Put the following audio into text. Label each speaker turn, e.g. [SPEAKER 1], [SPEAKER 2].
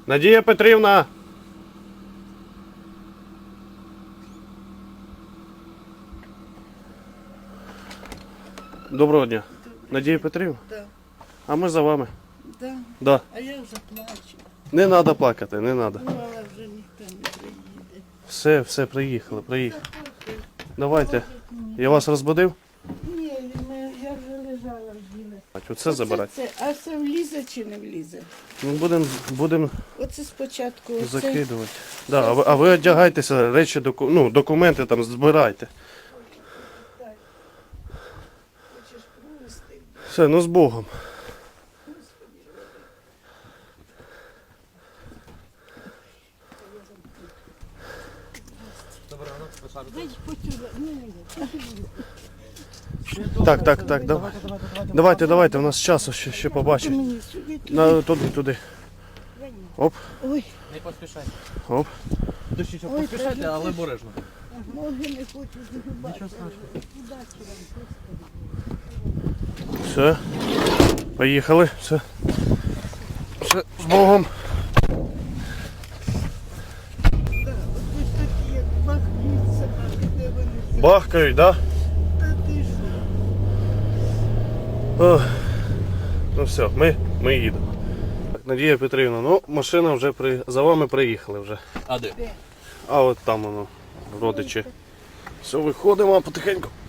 [SPEAKER 1] Надія Петрівна! Доброго дня. Надія Петрівна?
[SPEAKER 2] Да.
[SPEAKER 1] А ми за вами.
[SPEAKER 2] Да.
[SPEAKER 1] Да.
[SPEAKER 2] А я вже плачу.
[SPEAKER 1] Не треба плакати, не треба.
[SPEAKER 2] Ну, але вже ніхто не приїде.
[SPEAKER 1] Все, приїхали. Давайте. Я вас розбудив?
[SPEAKER 2] Ні, я вже лежала в ділі.
[SPEAKER 1] Оце забирати.
[SPEAKER 2] А це влізе чи не влізе?
[SPEAKER 1] Ну, будемо
[SPEAKER 2] Оце спочатку оце.
[SPEAKER 1] закидувати. Да, а ви одягайтеся, речі, документи там збирайте.
[SPEAKER 2] Хочеш провести?
[SPEAKER 1] Все, ну з Богом. Так, давайте, у нас часу ще побачить.
[SPEAKER 2] Мені сюди.
[SPEAKER 1] Туди. Оп,
[SPEAKER 2] Ой,
[SPEAKER 3] Не поспішайте.
[SPEAKER 1] оп.
[SPEAKER 3] Дощічок поспішайте, але обережно.
[SPEAKER 2] ноги не хочу загибати.
[SPEAKER 3] Нічого страшного.
[SPEAKER 1] Все. Поїхали. Все, з Богом.
[SPEAKER 2] Ось такі, як бахнуть собаки, де вони.
[SPEAKER 1] Бахкають, да?
[SPEAKER 2] Та ти що?
[SPEAKER 1] Ох. Ну все, ми їдемо. Так, Надія Петрівна, ну машина вже за вами приїхали вже.
[SPEAKER 3] А де?
[SPEAKER 1] А от там воно, родичі. Все, виходимо потихеньку.